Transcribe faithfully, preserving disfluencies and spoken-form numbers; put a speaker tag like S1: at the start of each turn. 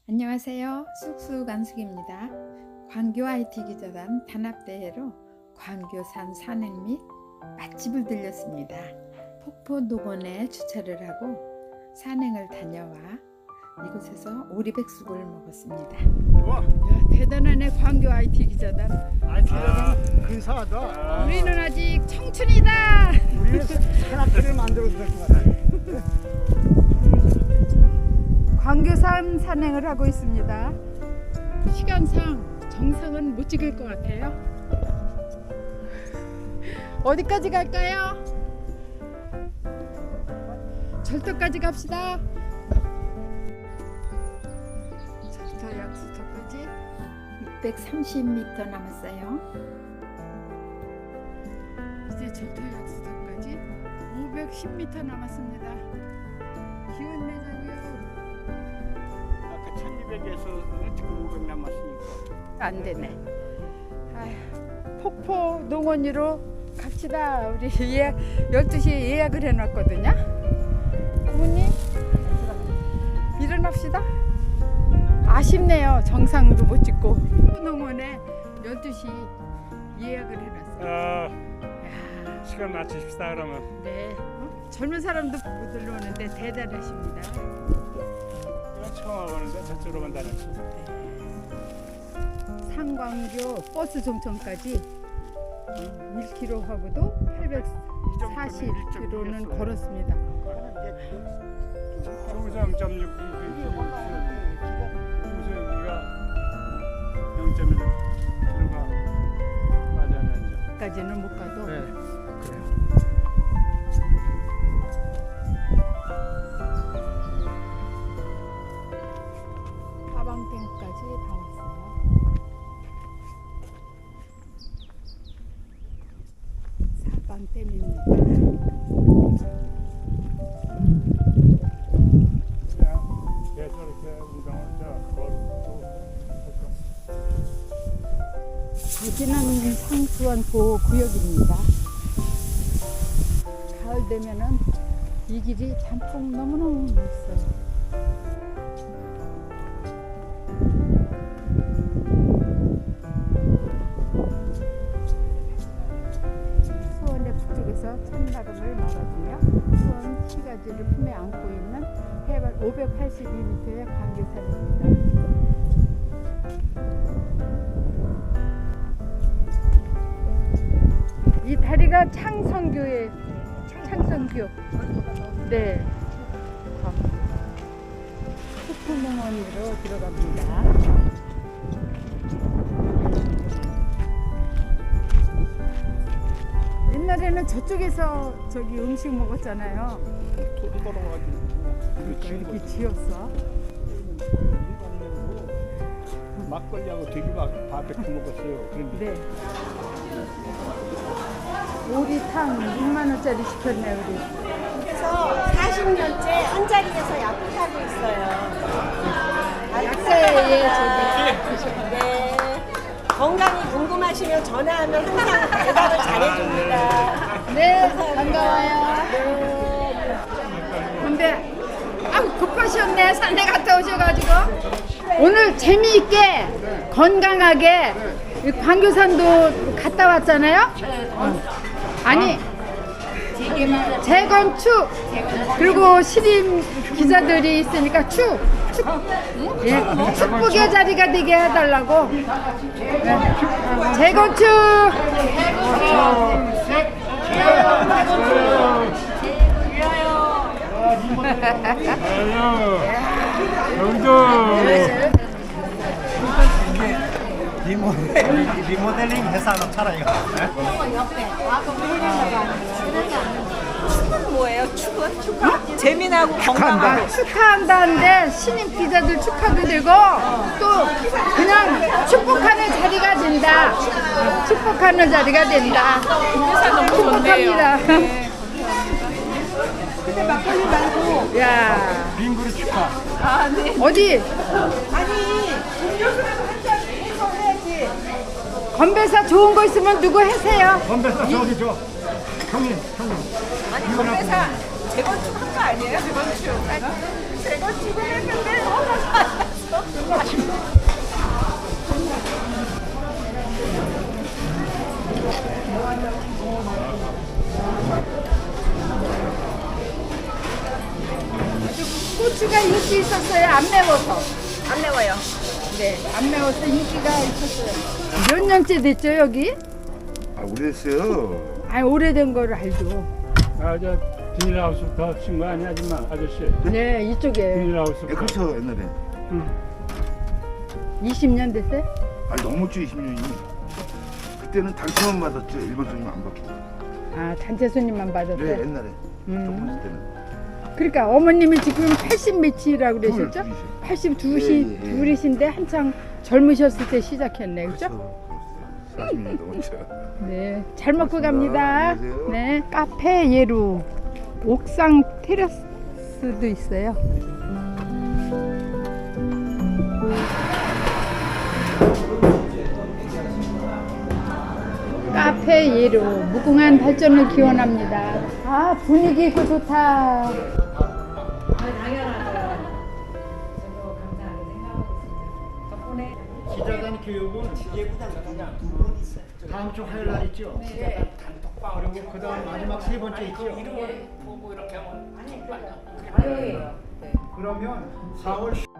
S1: 안녕하세요. 쑥쑥안숙입니다. 광교 아이티 기자단 단합대회로 광교산 산행 및 맛집을 들렸습니다. 폭포농원에 주차를 하고 산행을 다녀와 이곳에서 오리백숙을 먹었습니다.
S2: 좋아.
S1: 야, 대단하네. 광교 아이티 기자단.
S2: 아, 근사하다. 아,
S1: 우리는 아직 청춘이다.
S2: 우리는 산악회를 만들어도 될 것 같아.
S1: 광교산 산행을 하고 있습니다. 시간상 정상은 못 찍을 것 같아요. 어디까지 갈까요? 절도까지 갑시다. 절도 약수터까지 육백삼십 미터 남았어요. 이제 절도 약수터까지 오백십 미터 남았습니다. 기운 내자고요.
S2: 아까 천이백에서 지금 오백 남았으니까.
S1: 안 되네. 아휴, 폭포 농원으로 갑시다. 우리 예약 열두 시에 예약을 해놨거든요. 부모님 일어납시다. 아쉽네요. 정상도 못 찍고. 폭포 농원에 열두 시 예약을 해놨어요.
S3: 아,
S1: 야,
S3: 시간 맞추십시다 그러면.
S1: 네. 어? 젊은 사람도 못 들어오는데 대단하십니다.
S3: 이건 처음 와보는데 저쪽으로 간다는 거.
S1: 상광교 버스 종점까지 일 킬로미터하고도 팔백사십 킬로미터는 걸었습니다.
S3: 우성 점 육, 우성 여기가 영 점 일 킬로가 맞았는지.
S1: 까지는 못 가도
S3: 네, 그래요.
S1: 하방댐까지 다 왔어요. 사방댐입니다.
S3: 그냥 계속 이렇게 우성을 저 걸고
S1: 여기는 상수원 보호구역입니다. 가을 되면은 이 길이 단풍 너무너무 멋있어요. 수원의 북쪽에서 찬바람을 막아주며 수원 시가지를 품에 안고 있는 해발 오백팔십이 미터의 광교산입니다. 이 다리가 창성교에 창성교. 네. 폭포농원으로 들어갑니다. 옛날에는 저쪽에서 저기 음식 먹었잖아요.
S2: 돌이 걸어가지고
S1: 이렇게 지었어.
S2: 막걸리하고 돼지밥 바베큐 먹었어요. 그런데
S1: 네. 오리탕 육만 원짜리 시켰네 우리.
S4: 그래서 사십 년째 한 자리에서 약국하고 있어요.
S1: 약사에 저기.
S4: 네. 건강이 궁금하시면 전화하면 항상 대답을 잘해줍니다.
S1: 네, 반가워요. 근데 아우 급하셨네. 산에 갔다 오셔가지고 오늘 재미있게 건강하게 이 광교산도 갔다 왔잖아요. 어. 아니 재건축 그리고 시림 기자들이 있으니까 축, 축, 예, 축복의 자리가 되게 해달라고. 네. 재건축.
S2: 리모델링, 리모델링 회사로 차라리.
S4: 축은 뭐예요? 축은? 축하? 재미나고 건강하고.
S1: 아, 축하한다는데 신임 기자들 축하도 되고 또 그냥 축복하는 자리가 된다. 축복하는 자리가 된다. 축복합니다.
S4: 근데 막걸리 말고.
S1: 야,
S2: 빙그루 축하.
S4: 아, 네.
S1: 어디
S4: 아니, 음료수라도 한잔 해서 해야지.
S1: 건배사 좋은 거 있으면 누구 해세요.
S2: 건배사 저기 저 형님, 형님.
S4: 아니, 건배사 재건축 한 거 아니에요? 재건축. 아니, 재건축을 했는데 너무 많았어.
S1: 있었어요? 안 매워서?
S4: 안 매워요.
S1: 네, 안 매워서 인기가 있었어요. 몇 년째 됐죠 여기?
S5: 아 오래됐어요.
S1: 아 오래된 거를 알죠.
S3: 아, 저 비닐하우스부터 친구 아니 아줌마 아저씨.
S1: 네, 이쪽에
S5: 예,
S3: 비닐하우스부터.
S5: 그렇죠 옛날에.
S1: 이십 년 됐어요?
S5: 아 넘었죠 이십 년이. 그때는 단체만 받았죠 일본 손님 안 받고.
S1: 아 단체 손님만
S5: 네
S1: 받았어요?
S5: 옛날에.
S1: 음.
S5: 조금 있을 때는.
S1: 그러니까 어머님이 지금 팔십 몇이라고 그러셨죠?
S5: 둘, 둘이세요.
S1: 팔십이시
S5: 예, 예, 예.
S1: 둘이신데 한창 젊으셨을 때 시작했네, 그죠?
S5: 사십 년 넘었죠.
S1: 네, 잘 먹고
S5: 고맙습니다.
S1: 갑니다.
S5: 안녕히 계세요.
S1: 네, 카페 예루 옥상 테라스도 있어요. 카페 예루 무궁한 발전을 기원합니다. 아 분위기 있고 좋다.
S2: 기자단 교육은 다음 주 화요일 날 있죠? 기자단 단톡방 그리고 그다음 마지막 세 번째 있죠? 이름을 보고 이렇게 하면 그러면 사월